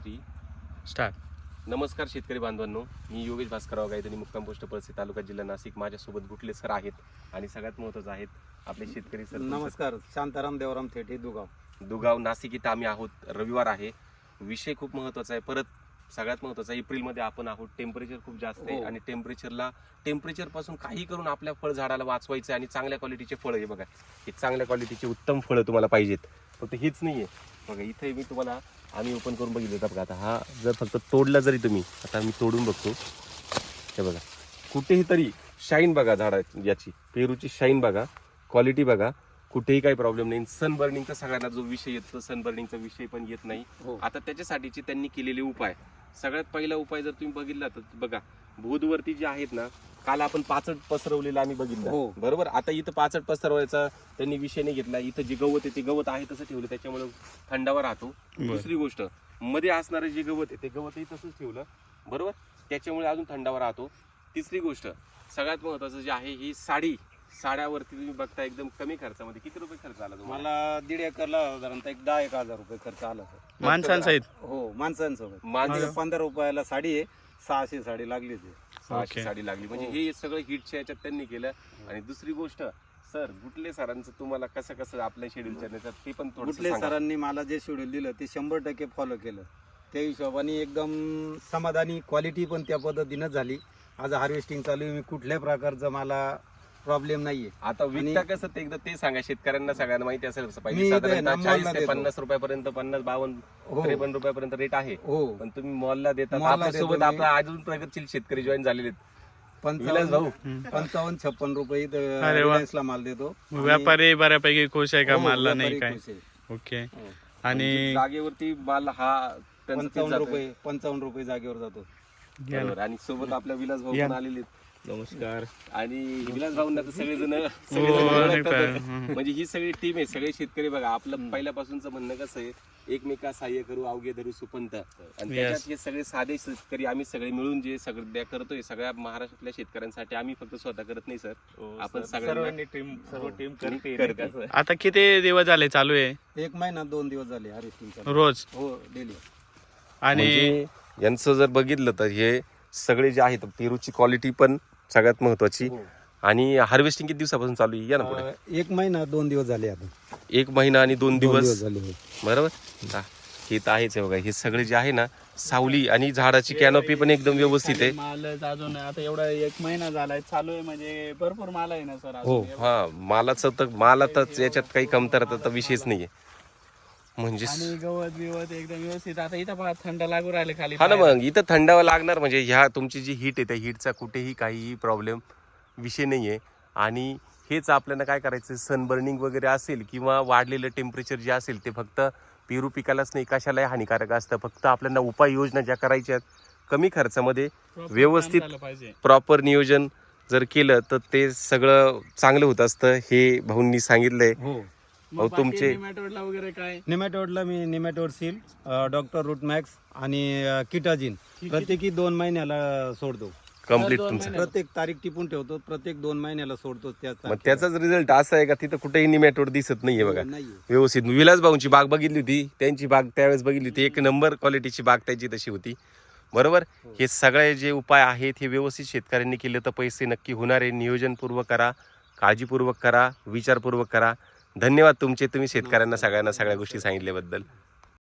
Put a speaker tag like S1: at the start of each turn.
S1: 3
S2: start.
S1: नमस्कार शेतकरी बांधवांनो, मी योगेश भास्करराव गायधनी, मुक्काम पोस्ट पळशी, तालुका जिल्हा नाशिक. माझ्यासोबत गुटले सर आहेत आणि सगळ्यात महत्त्वाचं आहेत आपले शेतकरी सर.
S3: नमस्कार, शांताराम देवराम थेटे,
S1: दुगाव नाशिक इथं आम्ही आहोत. रविवार आहे, विषय खूप महत्त्वाचा आहे. परत सगळ्यात महत्त्वाचं एप्रिलमध्ये आपण आहोत. टेम्परेचर खूप जास्त आहे आणि टेम्परेचर पासून काही करून आपल्या फळ झाडाला वाचवायचं आणि चांगल्या क्वालिटीचे फळ. हे बघा, हे चांगल्या क्वालिटीचे उत्तम फळं तुम्हाला पाहिजेत. फक्त हेच नाहीये बघा, इथे मी तुम्हाला आम्ही ओपन करून बघितलं बघा. आता हा जर फक्त तोडला जरी तुम्ही, आता मी तोडून बघतो, हे बघा कुठेही तरी शाईन बघा, झाडा याची पेरूची शाईन बघा, क्वालिटी बघा, कुठेही काही प्रॉब्लेम नाही. सनबर्निंगचा सगळ्यांना जो विषय येतो, सनबर्निंगचा विषय पण येत नाही. आता त्याच्यासाठीचे त्यांनी केलेले उपाय, सगळ्यात पहिला उपाय जर तुम्ही बघितला तर बघा, भूदवरती जे आहेत ना, काल आपण पाचट पसरवलेलं आम्ही बघितलं बरोबर. आता इथं पाचट पसरवायचा त्यांनी विषय नाही घेतला. इथं जे गवत आहे ते गवत आहे तसं ठेवलं, त्याच्यामुळे थंडावा राहतो. दुसरी गोष्ट, मध्ये असणारे जे गवत आहे ते गवतही तसंच ठेवलं बरोबर, त्याच्यामुळे अजून थंडावा राहतो. तिसरी गोष्ट सगळ्यात महत्वाचं जे आहे, ही साड्यावरती तुम्ही बघता एकदम कमी खर्चामध्ये. किती रुपये खर्च आला तुम्हाला?
S3: मला 1.5 एकरला साधारणतः 10,000 रुपये खर्च आला सर.
S2: माणसांसहित?
S3: हो, माणसांसोबत.
S1: माणसं
S3: 15 रुपयाला साडी आहे, 600 साडी लागली होती.
S1: 600 साडी लागली. म्हणजे हे सगळं हिटच्या याच्यात त्यांनी केलं. आणि दुसरी गोष्ट सर, गुटले सरांचं तुम्हाला कसं कसं आपल्या शेड्यूलच्या याच्यात ते पण थोडं
S3: गुटले सरांनी मला जे शेड्यूल दिलं ते 100% फॉलो केलं. त्या हिशोबाने एकदम समाधानी, क्वालिटी पण त्या पद्धतीनं झाली. आज हार्वेस्टिंग चालू आहे, मी कुठल्या प्रकारचं मला प्रॉब्लेम नाहीये.
S1: आता विकता कसं ते एकदा ते सांगा शेतकऱ्यांना, सगळ्यांना माहिती असेल पाहिजे. साधारणतः 40 ते 50 रुपयापर्यंत, 50-52 53 रुपयापर्यंत रेट आहे. पण तुम्ही मॉलला देतात. आपल्यासोबत आपला अजून प्रगतशील शेतकरी जॉईन झालेले आहेत.
S3: 55-56 रुपये रिलायन्सला माल देतो.
S2: व्यापारी बऱ्यापैकी खुश आहे का? मालला नाही काय? ओके. आणि
S1: जागेवरती माल हा
S3: 55 रुपये जागेवर जातो.
S1: बरोबर. आणि सोबत आपल्या विलास भाऊ पण आलेले आहेत.
S2: नमस्कार.
S1: आणि विलास भाऊंना तर सगळेजण म्हणजे ही सगळी टीम आहे. सगळे शेतकरी बघा, आपलं पहिल्यापासूनचं म्हणणं कसं आहे, एकमेका सहाय्य करू अवघे धरू सुपंत. आणि त्याच्यात हे सगळे साधे शेतकरी आम्ही सगळे मिळून जे सगळं करतोय, सगळ्या महाराष्ट्रातल्या शेतकऱ्यांसाठी. आम्ही फक्त स्वतः करत नाही सर, आपण सगळ्यांनी सर्व टीम करते.
S2: आता किती दिवस झाले चालू आहे?
S3: 1 महिना 2 दिवस झाले हार्वेस्टिंग
S2: रोज?
S3: हो, डेली.
S2: आणि
S1: यांचं जर बघितलं तर हे सगळे जे आहेत, पेरूची क्वालिटी पण सगळ्यात महत्वाची. आणि हार्वेस्टिंग किती दिवसापासून चालू आहे? या ना पुढे.
S3: 1 महिना 2 दिवस झाले. आता
S1: 1 महिना आणि 2 दिवस
S3: झाले
S1: बरोबर. हे तर आहेच आहे बघा. हे सगळे जे आहे ना, सावली आणि झाडाची कॅनोपी पण एकदम व्यवस्थित आहे.
S4: माल अजून आता एवढा 1 महिना झालाय चालू आहे, म्हणजे भरपूर माल आहे ना सर.
S1: हो, हा मालातच याच्यात काही कमतरता विषयच नाहीये. म्हणजे
S4: आणि गवत बिवत एकदम व्यवस्थित. आता इथं पहा, थंड लागू राहिले खाली.
S1: हा ना, मग इथं थंडावा लागणार. म्हणजे ह्या तुमची जी हीट आहे, त्या हीटचा कुठेही काहीही प्रॉब्लेम विषय नाहीये. आणि हेच आपल्याला काय करायचं, सनबर्निंग वगैरे असेल किंवा वाढलेलं टेम्परेचर जे असेल, ते फक्त पेरू पिकालाच नाही, कशालाही हानिकारक असतं. फक्त आपल्याला उपाययोजना ज्या करायच्या आहेत, कमी खर्चामध्ये व्यवस्थित प्रॉपर नियोजन जर केलं तर ते सगळं चांगलं होत असतं. हे भाऊंनी सांगितलंय. तुमचे
S4: निमॅटोडला वगैरे काय?
S3: निमॅटोडला मी nematode seal, doctor root max आणि किटाजिन प्रत्येकी 2 महिन्याला सोडतो.
S1: कम्प्लीट तुमचं
S3: प्रत्येक तारीख टिपून ठेवतो, प्रत्येक 2 महिन्याला सोडतो.
S1: मग त्याचाच रिझल्ट असा आहे का तिथं कुठेही निमॅटोड दिसत नाहीये बघा.
S3: नाहीये.
S1: व्यवस्थित. विलास भाऊंची बाग बघितली होती, त्यांची बाग त्यावेळेस बघितली होती, 1 नंबर क्वालिटीची बाग त्याची तशी होती बरोबर. हे सगळे जे उपाय आहेत, हे व्यवस्थित शेतकऱ्यांनी केले तर पैसे नक्की होणार आहे. नियोजनपूर्वक करा, काळजीपूर्वक करा, विचारपूर्वक करा. धन्यवाद तुमचे, तुम्ही शेतकऱ्यांना सगळ्यांना सगळ्या गोष्टी सांगितल्याबद्दल.